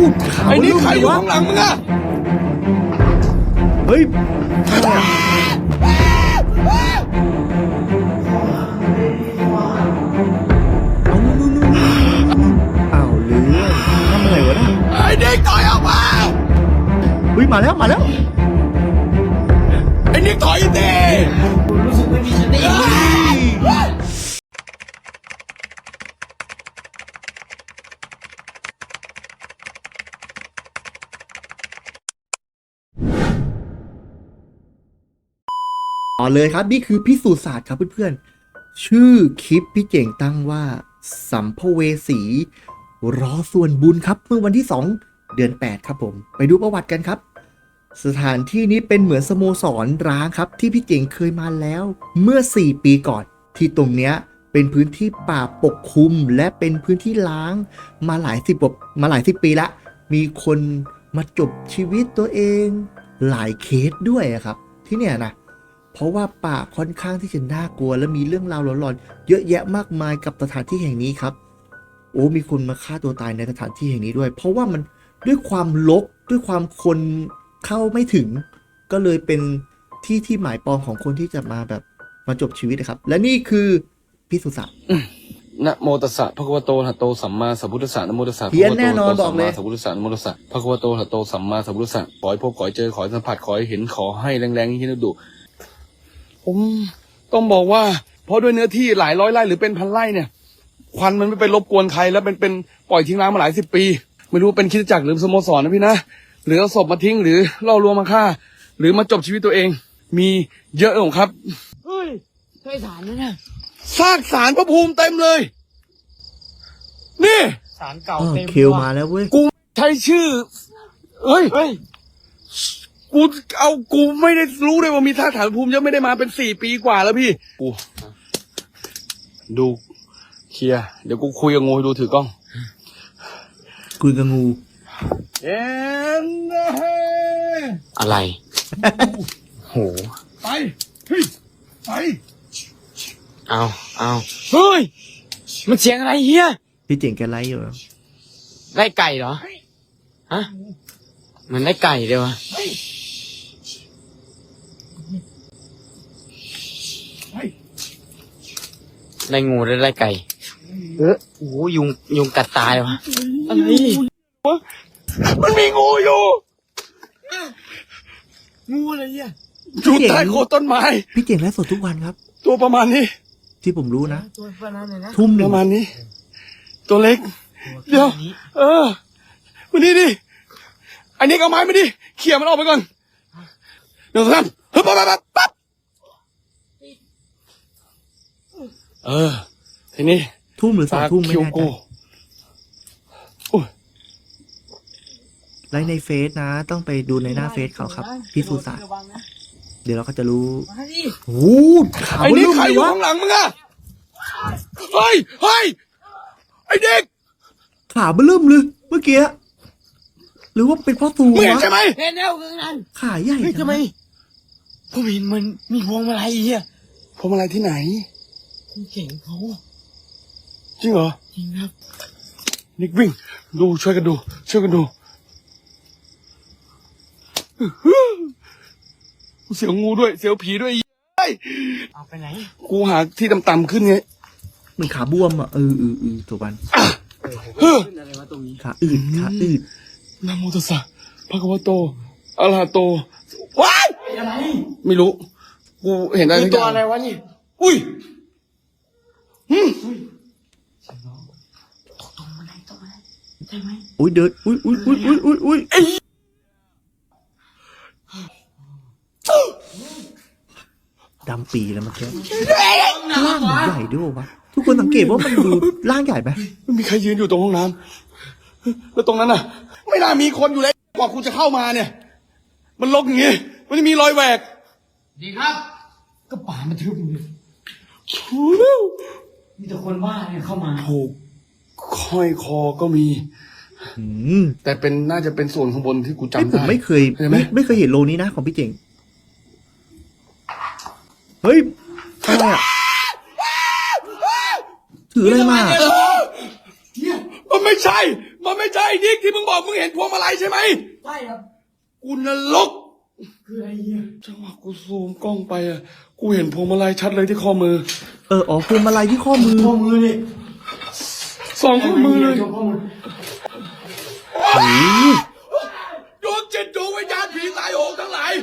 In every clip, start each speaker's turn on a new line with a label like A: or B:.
A: ไอ้นี่ใครอยู่ข้างหลังมึงอะ
B: เฮ้ยเอาเรื่องทำอะไรวะนะ
A: ไอ้นิกถอยออกมา
B: เฮ้ยมาแล้ว
A: ไอ้นิกถอยดิ
C: รู้สึกไม่มีสติ
B: ต่อเลยครับนี่คือพิสูจน์ศาสตร์ครับเพื่อนๆชื่อคลิปพี่เจ๋งตั้งว่าสัมภเวสีรอส่วนบุญครับเมื่อวันที่2 เดือน 8ครับผมไปดูประวัติกันครับสถานที่นี้เป็นเหมือนสโมสรร้างครับที่พี่เจ๋งเคยมาแล้วเมื่อ4 ปีก่อนที่ตรงเนี้ยเป็นพื้นที่ป่าปกคลุมและเป็นพื้นที่ล้างมาหลายสิบปีละมีคนมาจบชีวิตตัวเองหลายเคสด้วยครับที่เนี่ยนะเพราะว่าป่าค่อนข้างที่จะน่ากลัวและมีเรื่องราวหลอนๆเยอะแยะมากมายกับสถานที่แห่งนี้ครับโอ้มีคนมาฆ่าตัวตายในสถานที่แห่งนี้ด้วยเพราะว่ามันด้วยความรกด้วยความคนเข้าไม่ถึงก็เลยเป็นที่หมายปองของคนที่จะมาแบบมาจบชีวิตนะครับและนี่คือพิสุสัต
A: นะโมตัสสะภะคะวะโตอะระหะโตสัมมาสัมพุทธัสสะนะโมตัสสะภะ
B: เพี้ย
A: คะ
B: น
A: วะโต
B: แน่นอน
A: อะระหะโต
B: บอกเลย
A: สัมมาสัมพุทธัสสะนะโมตัสสะภะคะวะโตอะระหะโตสัมมาสัมพุทธัสสะขอให้พบขอให้เจอขอให้สัมผัสขอให้เห็นขอให้แรงๆที่ดุผมต้องบอกว่าเพราะด้วยเนื้อที่หลายร้อยไร่หรือเป็นพันไร่เนี่ยควันมันไม่ไปรบกวนใครแล้วเป็นปล่อยทิ้งร้างมาหลายสิบปีไม่รู้เป็นคริสตจักรหรือสโมสรนะพี่นะหรือเอาศพมาทิ้งหรือล่อลวงมาฆ่าหรือมาจบชีวิตตัวเองมีเยอะของครับ
C: เฮ้ยใช่สารนั่นน่ะ
A: ซากสารพระภูมิเต็มเลยนี่
C: สารเก่าเต็ม
B: คิวมาแล้วเว้ย
A: กูใช้ชื่อเฮ้ยกูไม่ได้รู้เลยว่ามีซากสารพระภูมิเยอะไม่ได้มาเป็น4 ปีกว่าแล้วพี่กูดูเคลียร์เดี๋ยวกูคุยกับงูให้ดูถือกล้อง
B: คุยกับงู
C: อะไรโห
A: ไปเฮ้ยไป
C: เอาเฮ้ยมันเสียงอะไรเฮีย
B: พี่เจ๋งแกไลฟ์อยู่
C: ได้ไก่เหรอฮะมันได้ไก่เดียวะได้งูได้ไก่โอ้ยุงกัดตายวะอะไร
A: มันมีงูอยู่
C: งูอะไรเนี่ย
A: อยู่ใต้โคนต้นไม้
B: พี่เจ๋งไลฟ์สดทุกวันครับ
A: ตัวประมาณนี้
B: ที่ผมรู้นะ
C: ตัวประมาณไหนนะ
B: ทุ่ม
A: ประมาณนี้ตัวเล็กเดี๋ยววันนี้ดิอันนี้เอาไม้มาดิเขี่ยมันออกไปก่อนเดี๋ยวท่านปั๊บทีนี้
B: ทุ่มหรือ2 ทุ่มไม่แน่ใจไลฟ์ในเฟซนะต้องไปดูในหน้าเฟซเขาครับพิสูจน์ศาสตร์เดี๋ยวเราก็จะรู้โอ้
A: ไอ้นี่ใครอยู่ข้างหลังมึงอะเฮ้ยไอ้เด็ก
B: ขาเบิ่มเลยเมื่อกี้หรือว่าเป็นพ่อตู
A: วะใช่ไหม
C: เห็นแล้วคือนั้น
B: ขาใหญ่
C: ทำไมผมเห็นมันมีพวงมาลัยเฮีย
A: พวงมาลัยที่ไหน
C: คุณเก่งเขา
A: จริงเหรอ
C: จริงครับ
A: นิกวิ่งดูช่วยกันดูเสียวงูด้วยเสียวผีด้วย
C: เอาไปไหน
A: กูหาที่ต่ำๆขึ้นไง
B: มันขาบวมอ่ะถูกปัน
C: อะไรวะตรงนี้
B: ขาอืด
A: นะโมตัสสะภะคะวะโตอะระหะโตว้าย
C: อะไร
A: ไม่รู้กูเห็นอะไร
C: ตัวอะไรวะนี่
A: อุ้ย
C: ตรงมาไหนใช่ไหม
B: อุ้ยเดินอุ้ยดำปีแล้วมันแค่ร่างใหญ่ด้วยวะทุกคนสังเกตว่ามันดูร่างใหญ่ไหม
A: ไม่มีใครยืนอยู่ตรงห้องน้ำแล้วตรงนั้นน่ะไม่น่ามีคนอยู่เลยกว่าคุณจะเข้ามาเนี่ยมันรกอย่างงี้มันจะมีรอยแหวก
C: ดีครับก็ป่ามันทึบเลยมีแต่คนบ้าเนี่ยเข้ามา
A: ถูกค่อยคอก็มีแต่เป็นน่าจะเป็นส่วนข้างบนที่กูจำได้
B: ผมไม่เคยเห็นโลนี้นะของพี่เจ๋งเฮ้ยอะไรอ่ะถืออะไรมา
A: มันไม่ใช่นิกที่มึงบอกมึงเห็นพวงมาลัยใช่ไหม
C: ใช่ครับ
A: กูนรก
C: คืออะไรเนี่ย
A: จังหวะกูซูมกล้องไปอ่ะกูเห็นพวงมาลัยชัดเลยที่ข้อมือ
B: อ๋อพวงมาลัยที่ข้อมือ
C: ข้อมือนี่
A: สองข้อมือเลย
C: ข้อมือ
B: โอ้โห
A: ดวงจิตดวงวิญญาณผีตายโหงทั้งหลาย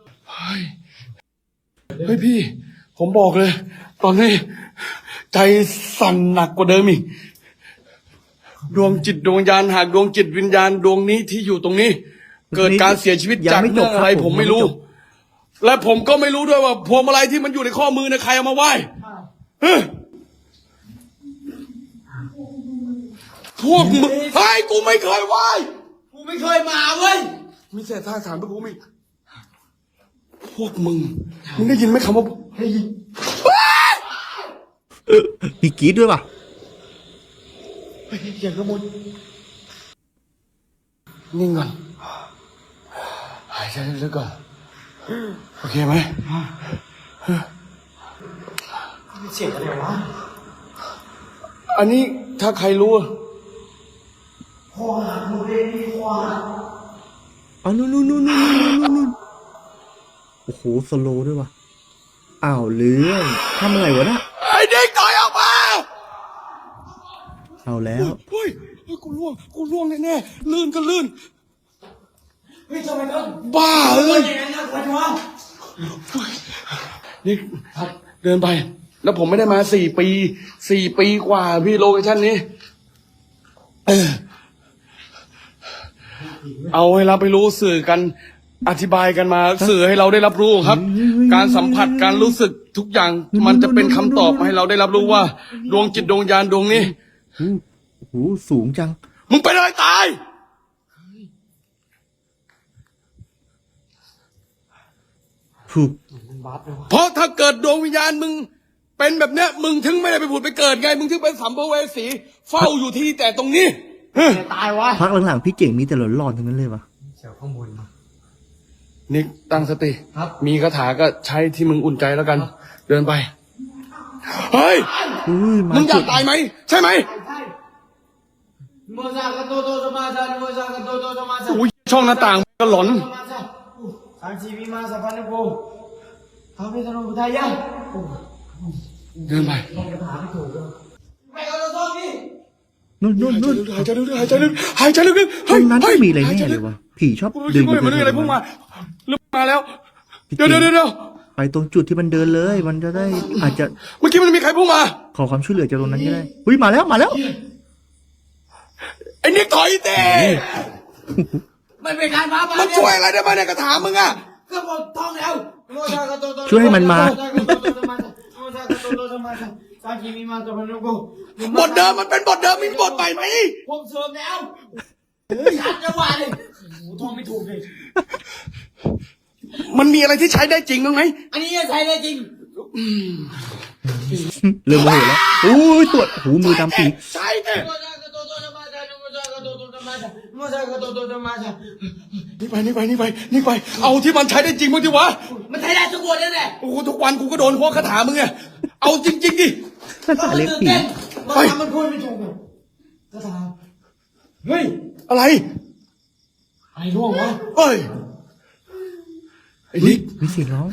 A: เฮ้ยพี่ ผมบอกเลย ตอนนี้ใจสั่นหนักกว่าเดิมอีกดวงจิตดวงวิญญาณหากดวงจิตวิญญาณดวงนี้ที่อยู่ตรงนี้ เกิดการเสียชีวิตจากเรื่องอะไรผมไม่รู้ และผมก็ไม่รู้ด้วยว่าพวงมาลัยที่มันอยู่ในข้อมือเนี่ยใครเอามาไหว้เฮ้ยพวกมึงไอ้กูไม่เคยไหว้
C: กูไม่เคยมาเว้ย
A: มีเศษท่าถามพวกกูมีพวกมึงได้ยินไหมคำว่า
B: มีกรีดด้วยป่ะ
C: อย่างกระมุน
A: นิ่งก่อนหายใจลึกๆก่อนโอเคไหม
C: เสียงอะไรวะ
A: อันนี้ถ้าใครรู้
C: พ่อหลังมือเล่นดีกว่า
B: อ๋อนู่นโอ้โหสโลว์ด้วยว่ะอ้าวเรื่องทำอะไรวะนะ
A: ไอ้เด็กต่อยออกมา
B: เอาแล้ว
A: เฮ้ยกูล่วงแน่ๆลื่นก็ลื่น
C: เฮ้ยทำไมต้อง
A: บ้าเอ้ย
C: อย่างนั้นนะคุณวะ
A: นี่เดินไป แล้วผมไม่ได้มา4 ปีกว่าพี่โลเคชั่นนี้เอาให้เราไปรู้สื่อกันอธิบายกันมาสื่อให้เราได้รับรู้ครับ การสัมผัสการรู้สึกทุกอย่างมันจะเป็นคำตอบให้เราได้รับรู้ว่า ดวงจิตดวงญาณดวงนี้
B: โอ้โหสูงจัง
A: มึงเป็นอะไรตาย
B: ถูก
A: เพราะถ้าเกิดดวงวิญญาณมึงเป็นแบบเนี้ยมึงถึงไม่ได้ไปผุดไปเกิดไง มึงถึงเป็นสัมภเวสีเฝ้าอยู่ที่แต่ตรงนี้
C: ตายวะ
B: พักหลังๆพี่เจ๋งมีแต่หลอนๆทั้งนั้นเลยว่ะ
C: เสียงข้างบน
A: นิกตั้งสติ
C: ครับ
A: มีคาถาก็ใช้ที่มึงอุ่นใจแล้วกัน เดินไป เฮ้ย
B: อุ้ยมา
A: มึงอยา
B: จุ
A: ก
B: ด
A: ตายไหม ใช่ไหม
C: โมซากาโตโตสมาซาโมซากาโตโตสมาซา
A: อุ้ยช่องหน้าต่างก็หลอน
C: สมาซาสังชีวิมาสัพพันโกพระพิษณุพุทธายะ
A: เดินไป
C: ไม่เอาตัวนี่
B: นู่น
A: หายใจลึกๆหายใจลึกๆหายใจลึกๆ
B: ตรงนั้น
A: เฮ้
B: ไม่
A: ย
B: มีอะไร
A: หาย
B: แน่
A: ใจ
B: เล
A: ลึ
B: ย
A: ก
B: ว่ะผีชอบ
A: กูรู้
B: เดิ
A: สึ
B: น
A: กว่าเหมือนอะไรพุ่งมาเริ่มมาแล้วเดี๋ยว
B: ไปตรงจุดที่มันเดินเลย มันจะได้อาจจะ
A: เมื่อกี้มันมีใครพุ่งมา
B: ขอความช่วยเหลือจากตรงนั้นก็ได้อุ้ยมาแล้ว
A: ไอ้นิกถอยเต้
C: มันเป็นการมาบ้า
A: มันช่วยอะไรได้บ้างเนี่ยกระถามมึงอะ
C: ก็หมดท้องแล้วโมซากาโตโต
B: ช่วยให้มันมา
C: โมซากาโตโตสมาซาโมซากาโตโตสมาซาสังชีวิมาสัพพันโก
A: บทเดิมมันเป็นบทเดิมมีบทใหม่ไหม
C: ผมเสริมแล้วชัดจังหวะเลยโอ้โหท่องไม่ถูกเลย
A: มันมีอะไรที่ใช้ได้จริงบ้างไหม
C: อันนี้จะใช้ได้จริง
B: เริ่มโมโหแล้วอุ้ยตรวจหูมือดำปี
A: ใช่เนี่ย
C: โมซากาโตโตสมาซาโมซากาโตโตสมาซาโมซากาโตโตสมาซา
A: นี่ไป เอาที่มันใช้ได้จริงบ้างดิวะ
C: มันใช้ได้ทุกวันนั่นแหละ
A: โอ้โหทุกวันกูก็โดนพวกคาถามึงไงเอาจริงๆดิ
B: ภาษาเล็กผี
C: มันทำมันพูดไม่ถูกอ่ะกระถาเฮ้ย
A: อะไร
C: ไอ้ร่วงวะ
A: เอ้ย ไอ้นิก
B: มีเสียงร้อง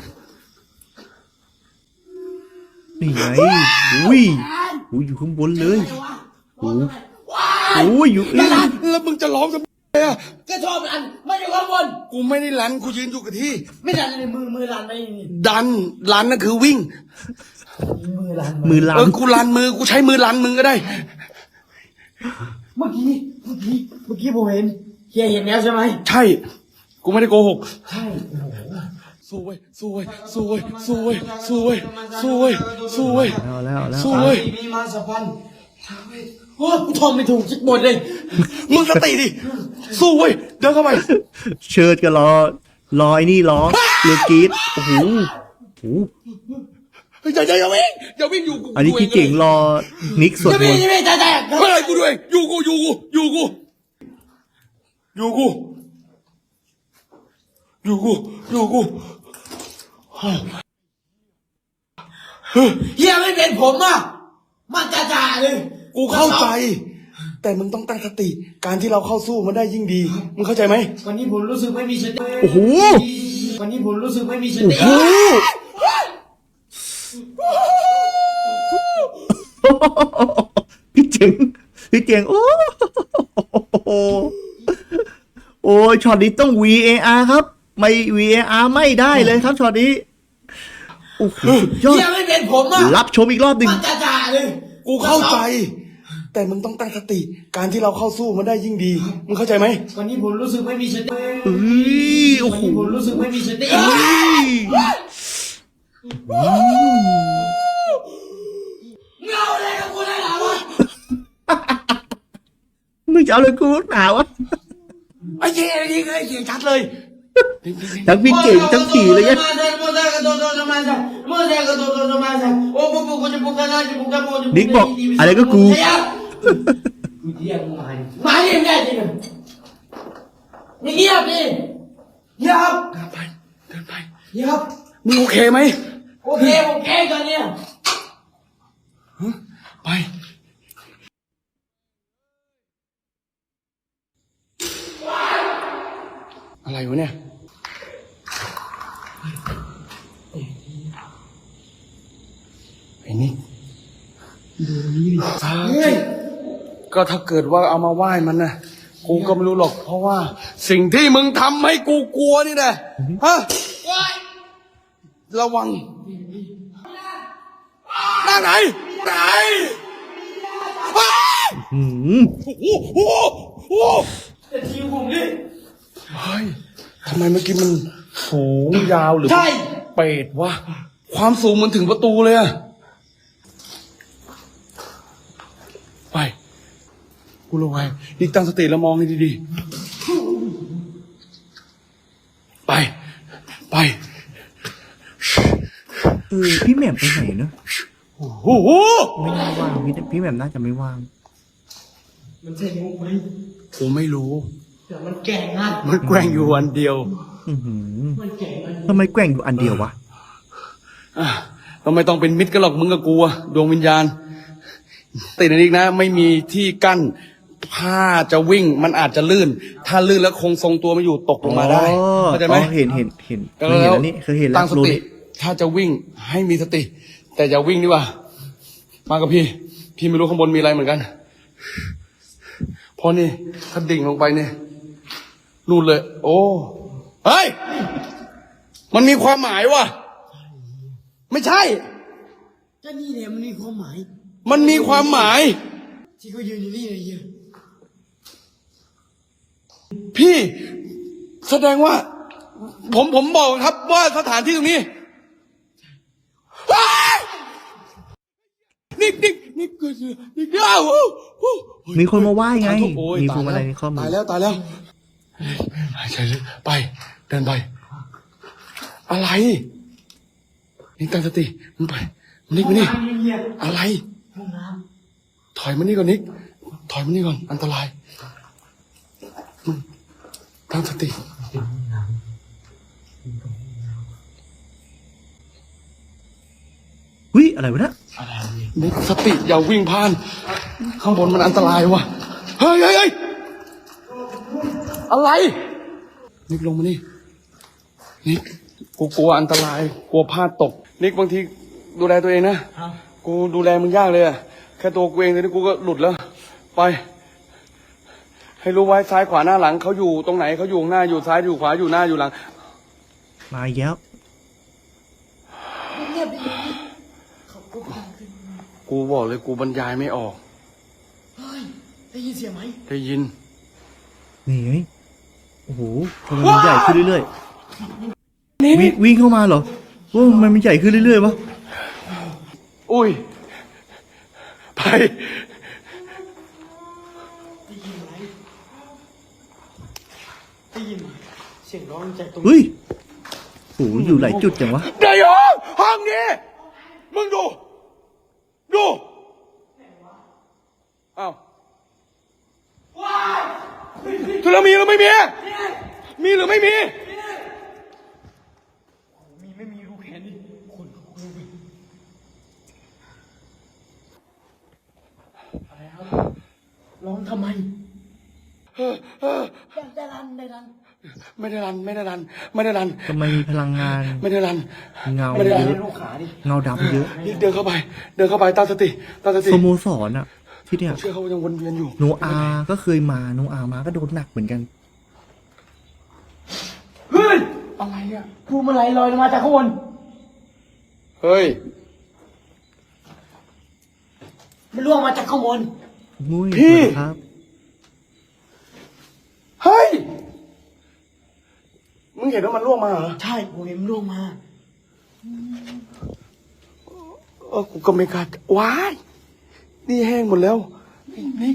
B: นี่ไงอุ้ยอยู่ข้างบนเลยโอ้ยอยู่เอ้ย
A: แล้วมึงจะร้องทำไมอะ
C: ก็ชอบอันไม่ได้ข้างบน
A: กูไม่ได้ลันกูยืนอยู่กับที่
C: ไม่ดันในมือลันไปนี่
A: ดันลันนั่นคือวิ่ง
C: มือลัน
B: มือลา
A: กูลันมือกูใช้มือลันมึงก็ได้
C: เมื่อกี้ผมเห็นเฮียเห็นแล้วใช่ไหม
A: ใช่ กูไม่ได้โกหก
C: ใช่
A: สู้เว้ย
B: เอาแล้ว
A: สู้เว้ย
C: มีมาสัพพันโอ้กูท่องไม่ถูกจิกหมดเลย
A: มึงสติดิ สู้เว้ย เดินเข้าไป
B: เชิดก็รอไอ้นี่ร้องเรือกรีดโอ้โห
A: อย่าวิ่งอยู่กู
B: อันนี้พี่เจ๋งรอนิกสวด
C: จะ
B: ม
C: มี
B: นต์
C: จะมีแต่
A: เฮ้ยกูด้วยอยู่กู
C: เฮียไม่เป็นผมอ่ะมันจ่าเลย
A: กูเข้าใจแต่มึงต้องตั้งสติ การที่เราเข้าสู้มันได้ยิ่งดี มึงเข้าใจไหม
C: วันนี้ผมรู้สึกไม่มีสติ
B: โอ้โห
C: วันนี้ผมรู้สึกไม่มีส
B: โอ้
C: ติ
B: โหพี่เจ๋งโอ้โหโอ้ยช็อตนี้ต้อง VAR ครับ ไม่ VAR ไม่ได้เลยครับช็อตนี้โอ้โหสุดยอด
C: เฮียไม่เป็นผมอ่ะ
B: รับชมอีกรอบหนึ่ง
C: มันจ่าเลย
A: กูเข้าใจ แต่มึงต้องตั้งสติ การที่เราเข้าสู้มันได้ยิ่งดี มึงเข้าใจไหม
C: วันนี้ผมรู้สึกไม่มีสติ
B: เอ้ยโอ้
C: วัน
B: โห
C: นี้ผมรู้สึกไม่มีสติ
B: เอ้ย
C: เงาอะไรกับกูได้หรอวะ
B: มึงจะเอาเลยกูหนาวะ
A: ไอ้เหี้ยนี่ไอ้เหี้ยชัดเลย
B: ทั้งพี่เก่งทั้งขี่เลยเนี่ย นิกบอกอะไรก็กู
C: มาดิแม่จริงนี่เงียบดิเงียบ
A: เดินไป เดินไป
C: เงียบ
A: มึงโอเคไหม
C: โอเคตอนเนี้ย
A: ไป อะไรวะเนี่ย ไอ้นี่ดูนี่ดิก็ถ้าเกิดว่าเอามาไหว้มันนะกูก็ไม่รู้หรอก เพราะว่าสิ่งที่มึงทำให้กูกลัวนี่นะฮะระวังหน้าไหนไหนว้าว
B: อืม
A: โอ้โหโอ้โห
C: จะทิ้งผมดิ
A: เฮ้ยทำไมเมื่อกี้มันสูงยาวหรือ
C: ใช่
A: เป็ดวะความสูงมันถึงประตูเลยอะไปกูระวังนี่ตั้งสติแล้วมองให้ดีๆไป ไป
B: พี่แหม่มไปไหนเนอะ
A: โอ้โห
B: ไม่น่าว่างพี่แหม่มน่าจะไม่ว่าง
C: มันใช่มุกไหม
A: กูไม่รู้
C: แต่มันแก่งอ่ะ
A: มันแกว่งอยู่วันเดียว
B: อื้อหือ
C: มันแก่งมัน
B: ทำไมแกว่งอยู่อันเดียววะ
A: อ่ะก็ไม่ต้องเป็นมิตรกันหรอกมึงกับกูอะดวงวิญญาณติดอันนี้นะ ไม่มีที่กั้นผ้าจะวิ่งมันอาจจะลื่น ถ้าลื่นแล้วคงทรงตัวไม่อยู่ตกลงมาได้เข้าใจไหม
B: เห็นเคยเห็นอันนี้เคยเห็นแล้
A: ตั้
B: ว
A: งส
B: รู้
A: ติ
B: นี่
A: ถ้าจะวิ่งให้มีสติ แต่อย่าวิ่งดีกว่า มากับพี่ พี่ไม่รู้ข้างบนมีอะไรเหมือนกันเพราะนี่ถ้าดิ่งลงไปเนี่ยนู่นเลย โอ้เฮ้ยมันมีความหมายว่ะไม่ใช่
C: ก็นี่เนี่ยมันมีความหมาย
A: มันมีความหมาย
C: ที่เขายืนอยู่นี่เลยเฮีย
A: พี่แสดงว่า ผมบอกครับว่าสถานที่ตรงนี้ว้ายนิกเกิดนิกอ้าวโอ้โห
B: มีคนมาไหว้ไง
A: โอ้ย
B: มีพวงมาลัยในข้อมื
A: ตา
B: อย
A: แล้วหายใจลึกไป เดินไป อะไรนิกตั้งสติมันไปนิกมานี่อะไร
C: ห้องน้
A: ถอยมานี่ก่อนนิกถอยมานี่ก่อนอันตรายมึงตั้งสติ
B: หุ้ยอะไรวะเนี่ย
A: นิกสติอย่าวิ่งผ่าน ข้างบนมันอันตรายวะเฮ้ยอะไร นิกลงมานี่นิกกูกลัวอันตรายกลัวพลาดตก นิกบางทีดูแลตัวเองนะ
C: ำครับ
A: กูดูแลมึงยากเลยอะแค่ตัวกูเองเลยนี่กูก็หลุดแล้ว ไป ให้รู้ไว้ซ้ายขวาหน้าหลังเขาอยู่ตรงไหนเขาอยู่ข้างหน้าอยู่ซ้ายอยู่ขวาอยู่หน้าอยู่หลัง
B: มาอีกแล้ว
C: เงียบดิเขาก็ฟังขึ้น
A: กูบอกเลยกูบรรยายไม่ออก
C: เฮ้ยได้ยินเสียงไหม
A: ได้ยิน
B: นี่ไงโอ้โหทำไมมันใหญ่ขึ้นเรื่อยๆวิ่งเข้ามาเหรอโอ้มันใหญ่ขึ้นเรื่อยๆวะ
A: อุ้ย ไป
C: ได้ยินไหมเสียงร้องจากตรง
B: เฮ้ยโอ้โหอยู่หลายจุดจังวะ
A: เดี๋ยวห้องนี้ มึงดู อ้าวทุลมีหรือไม่มี มีหรือไม่มี
C: มีไม่มีรู้แค่นี้คนรู้ไหมอะไรครับร้องทำไมได้รัน
A: ไม่ได้รันไม่ได้รันไม่ได้รัน
B: ทำไมมีพลังงาน
A: ไม่ได้รัน
B: เงา
A: ไม่ได้
B: เย
A: รัน
B: อะ
C: ลูกขาดิ
B: เงาดำเยอะ
A: เดินเข้าไป เดินเข้าไปตั้งสติตั้งสติ
B: สโมสรอะที่เนี่ย
A: ผมเชื่อเขายังวนเวียนอยู่
B: โนอาก็เคยมาโนอามาก็โดนหนักเหมือนกัน
A: เฮ้ยอะไรอ่ะ
C: ภูมิอะไรลอยลงมาจากข้างบน
A: เฮ้ย
C: มันล่วงมาจากข้างบน
B: มุ้ย
A: พี่
B: สวัสดีครับ
A: เฮ้ยมึงเห็นว่ามันล่วงมาเหรอ
C: ใช่ผมเห็นมันล่วงมา
A: กูก็ไม่กล้าว้ายนี่แห้งหมดแล้วนี่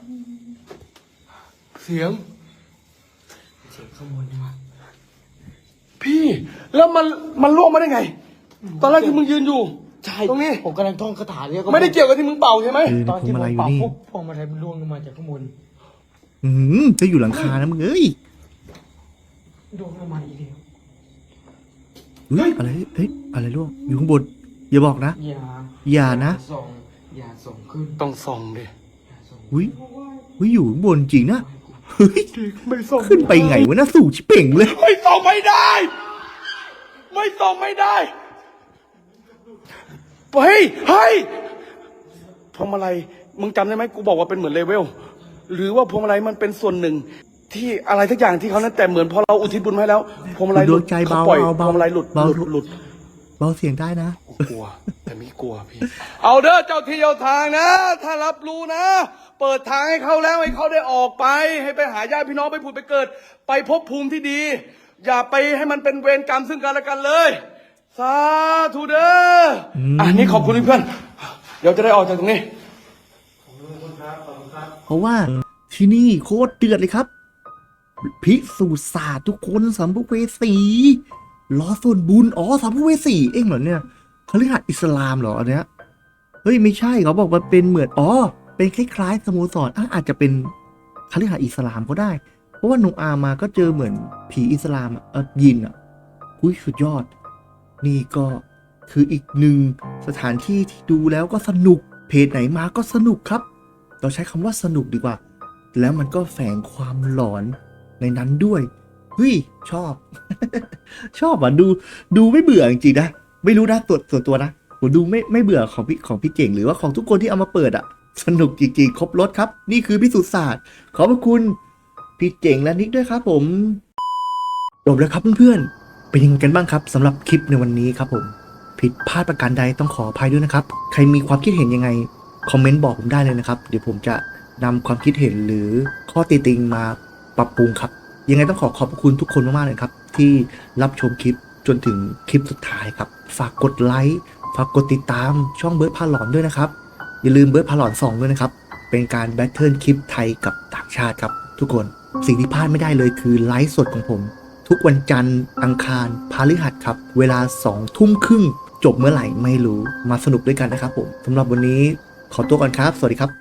A: เสียง
C: เสียงข้างบนนี่วะ
A: พี่แล้วมันล่วงมาได้ไง ตอนแรกที่มึงยืนอยู่
C: ใช่
A: ตรงนี้
C: ผมกำลังท่องคาถาเรียก
A: ไม่ได้เกี่ยวกับที่มึงเป่าใช่ไหม
B: คือ
C: ตอน
B: พว
C: ที่
B: ง
C: ผ
B: มาลัย
C: ม
B: อยู่
C: เป่า
B: นี่
C: ปุ๊บพวงมาลัยมันล่วงลงมาจากข้างบน
B: จะอยู่หลังคานะมึงเอ้ย
C: ล่วงลงมาอีกแล้ว
B: เฮ้ยอะไรเฮ้ยอะไรล่วงอยู่ข้างบน อย่าบอกนะ อย่านะ
C: อย่าส่งขึ้น
A: ต้องส่องดิ
C: อย่าส่ง
B: อุ้ยอุ้ยอยู่ข้างบนจริงนะเฮ้ย
A: ไม่ส่อง
B: ขึ้นไปไงวะน่าสู่ชิเป่งเลย
A: ไม่ส่องไม่ได้ ไม่ส่องไม่ได้เฮ้ยเฮ้ยพวงมาลัยมึงจำได้ไหมกูบอกว่าเป็นเหมือนเลเวลหรือว่าพวงมาลัยมันเป็นส่วนหนึ่ง ที่อะไรทักอย่างที่เขานั้นแต่เหมือนพอเราอุทิศบุญให้แล้วพวงมาลัยห
B: ด
A: ลุ
B: ว
A: ด
B: งใจ
A: เขา
B: เบา
A: ปล่อย
B: เอา
A: พ
B: เบาว
A: งมาลัยหลุด
B: เบา
A: หลุด
B: เบาเสียงได้นะ
A: กลัว แต่ไม่กลัวพี่ เอาเด้อเจ้าที่เจ้าทางนะ ถ้ารับรู้นะ เปิดทางให้เขาแล้วให้เขาได้ออกไป ให้ไปหาญาติพี่น้องไปผุดไปเกิด ไปพบภูมิที่ดี อย่าไปให้มันเป็นเวรกรรมซึ่งกันและกันเลย สาธุเด้ออ่ะนี่ขอบคุณเพื่อนเดี๋ยวจะได้ออกจากตรงนี้
B: เพราะว่าที่นี่โคตรเดือดเลยครับพิสูจน์ศาสตร์ทุกคนสัมภเวสีล้อส่วนบุญอ๋อสัมภเวสีเองเหรอเนี่ยเขาเรียกอิสลามเหรออันเนี้ยเฮ้ยไม่ใช่เขาบอกว่าเป็นเหมือนอ๋อเป็นคล้ายๆสโมสรอาจจะเป็นคฤหาสน์อิสลามก็ได้ เพราะว่าโนอามาก็เจอเหมือนผีอิสลามยินอ่ะอุ้ยสุดยอด นี่ก็คืออีกหนึ่งสถานที่ที่ดูแล้วก็สนุกเพจไหนมาก็สนุกครับเราใช้คำว่าสนุกดีกว่า แล้วมันก็แฝงความหลอนในนั้นด้วยเฮ้ยชอบ ชอบอ่ะดูไม่เบื่อจริงๆนะไม่รู้นะส่วนตัวนะผมดูไม่เบื่อของพี่เก่งหรือว่าของทุกคนที่เอามาเปิดอ่ะสนุกจริงๆครบรถครับนี่คือพิสูจน์ศาสตร์ขอบพระคุณพี่เก่งและนิกด้วยครับผมจบแล้วครับเพื่อนๆเป็นยังไงกันบ้างครับสำหรับคลิปในวันนี้ครับผมผิดพลาดประการใดต้องขออภัยด้วยนะครับใครมีความคิดเห็นยังไงคอมเมนต์บอกผมได้เลยนะครับเดี๋ยวผมจะนำความคิดเห็นหรือข้อติติงมาปรับปรุงครับยังไงต้องขอบคุณทุกคนมากๆเลยครับที่รับชมคลิปจนถึงคลิปสุดท้ายครับฝากกดไลค์ฝากกดติดตามช่องเบิร์ดพาหลอนด้วยนะครับอย่าลืมเบิร์ดพาหลอน2ด้วยนะครับเป็นการแบทเทิลคลิปไทยกับต่างชาติครับทุกคนสิ่งที่พลาดไม่ได้เลยคือไลฟ์สดของผมทุกวันจันทร์อังคารพฤหัสครับเวลา 20:30 จบเมื่อไหร่ไม่รู้มาสนุกด้วยกันนะครับผมสำหรับวันนี้ขอตัวก่อนครับสวัสดีครับ